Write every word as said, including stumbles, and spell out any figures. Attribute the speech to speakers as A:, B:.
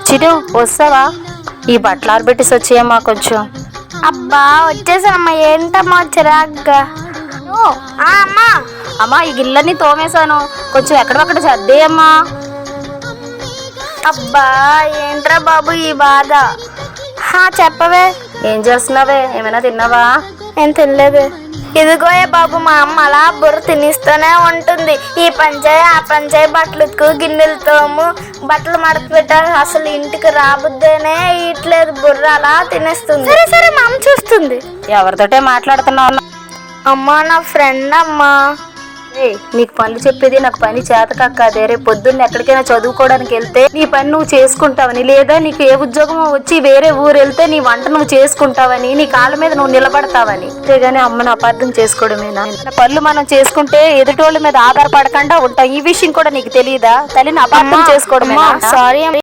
A: చిరు వస్తావా? ఈ బట్టలు ఆరబెట్టేసి వచ్చేయమ్మా కొంచెం.
B: అబ్బా వచ్చేసానమ్మా. ఏంటమ్మా చిరాగ్గా? అమ్మా
A: అమ్మా ఈ గిన్నెలన్నీ తోమేశాను, కొంచెం ఎక్కడొక్కడ సర్దేయమ్మా.
B: అబ్బా ఏంట్రా బాబు ఈ బాధ? చెప్పవే.
A: ఏం చేస్తున్నావే? ఏమైనా తిన్నావా?
B: ఏం తినలేదు. ఇదిగోయే బాబు, మా అమ్మ అలా బుర్ర తినిస్తూనే ఉంటుంది. ఈ పంచాయి ఆ పంచాయి, బట్టలకు గిన్నెలు తోము, బట్టలు మడత పెట్టాలి. అసలు ఇంటికి రాబుద్దేనే ఇట్లేదు, బుర్ర అలా తినేస్తుంది. సరే సరే మా అమ్మ చూస్తుంది.
A: ఎవరితోటే మాట్లాడుతున్నావు?
B: అమ్మా నా ఫ్రెండ్ అమ్మా.
A: నీకు పనులు చెప్పేది నాకు పని చేత కాదే. రేపు పొద్దున్న ఎక్కడికైనా చదువుకోవడానికి వెళ్తే నీ పని నువ్వు చేసుకుంటావని, లేదా నీకు ఏ ఉద్యోగం వచ్చి వేరే ఊరు వెళ్తే నీ వంట నువ్వు చేసుకుంటావని, నీ కాళ్ళ మీద నువ్వు నిలబడతావని. అంతేగాని అమ్మను అపార్థం చేసుకోవడమేనా? పనులు మనం చేసుకుంటే ఎదుటోళ్ళ మీద ఆధారపడకుండా ఉంటాం. ఈ విషయం కూడా నీకు తెలియదా? తల్లిని అపార్థం చేసుకోవడమేనా?
B: సారీ.